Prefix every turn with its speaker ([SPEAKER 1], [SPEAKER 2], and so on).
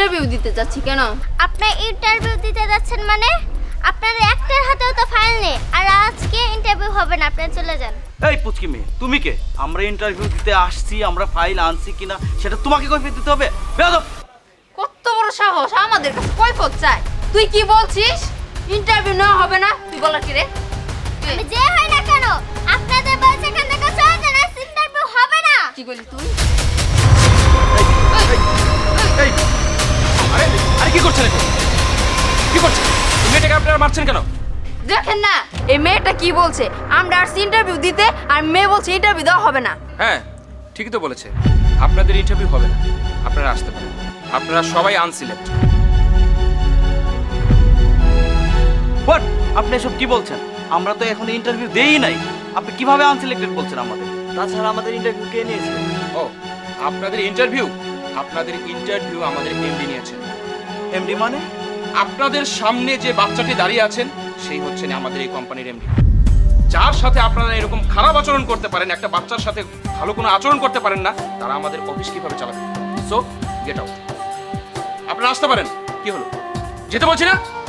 [SPEAKER 1] Interview দিতে যাচ্ছি। কেন?
[SPEAKER 2] আপনি ইন্টারভিউ দিতে যাচ্ছেন মানে? আপনার একটার হাতেও তো ফাইল নেই, আর আজকে ইন্টারভিউ হবে না, আপনি চলে যান।
[SPEAKER 3] এই পুচকি মেয়ে, তুমি কে? আমরা ইন্টারভিউ দিতে আসছি, আমরা ফাইল আনছি কিনা সেটা তোমাকে কৈফিয়ত দিতে হবে? বেয়াদব!
[SPEAKER 1] কত বড় সাহস আমাদের কাছে কৈফিয়ত চাই? তুই কি বলছিস? ইন্টারভিউ নেওয়া হবে না? তুই বলার কি রে?
[SPEAKER 2] আমি যে হয় না কেন, আপনাদের বলছে এখান থেকে চলে যান, আজ ইন্টারভিউ হবে না।
[SPEAKER 1] কি বলি তুই?
[SPEAKER 3] এই,
[SPEAKER 4] আরে আরে কি করছেন এটা? কি করছেন? এই মেয়েটাকে আপনারা মারছেন কেন?
[SPEAKER 1] দেখেন না এই মেয়েটা কি বলছে, আমরা আসছি ইন্টারভিউ দিতে, আর মেয়ে বলছে ইন্টারভিউ দেওয়া হবে না।
[SPEAKER 4] হ্যাঁ, ঠিকই তো বলেছে। আপনাদের ইন্টারভিউ হবে না, আপনারা আসতে পারেন। আপনারা সবাই আনসিলেক্ট।
[SPEAKER 3] হোয়াট? আপনি এসব কি বলছেন? আমরা তো এখন ইন্টারভিউ দেই নাই। আপনি কিভাবে আনসিলেক্টেড বলছেন আমাদের? তাছাড়া আমাদের ইন্টারভিউ কে নিয়েছে?
[SPEAKER 4] ও, আপনাদের ইন্টারভিউ আমাদের এমডি নিয়েছেন।
[SPEAKER 3] এমডি মানে?
[SPEAKER 4] আপনাদের সামনে যে বাচ্চাটি দাঁড়িয়ে আছেন সেই হচ্ছেন আমাদের এই কোম্পানির এমডি। যার সাথে আপনারা এরকম খারাপ আচরণ করতে পারেন, একটা বাচ্চার সাথে ভালো কোনো আচরণ করতে পারেন না, তারা আমাদের অফিস কিভাবে চালাবে? So get out. আপনারা আসতে পারেন। কি হলো? যেতে বলছি না?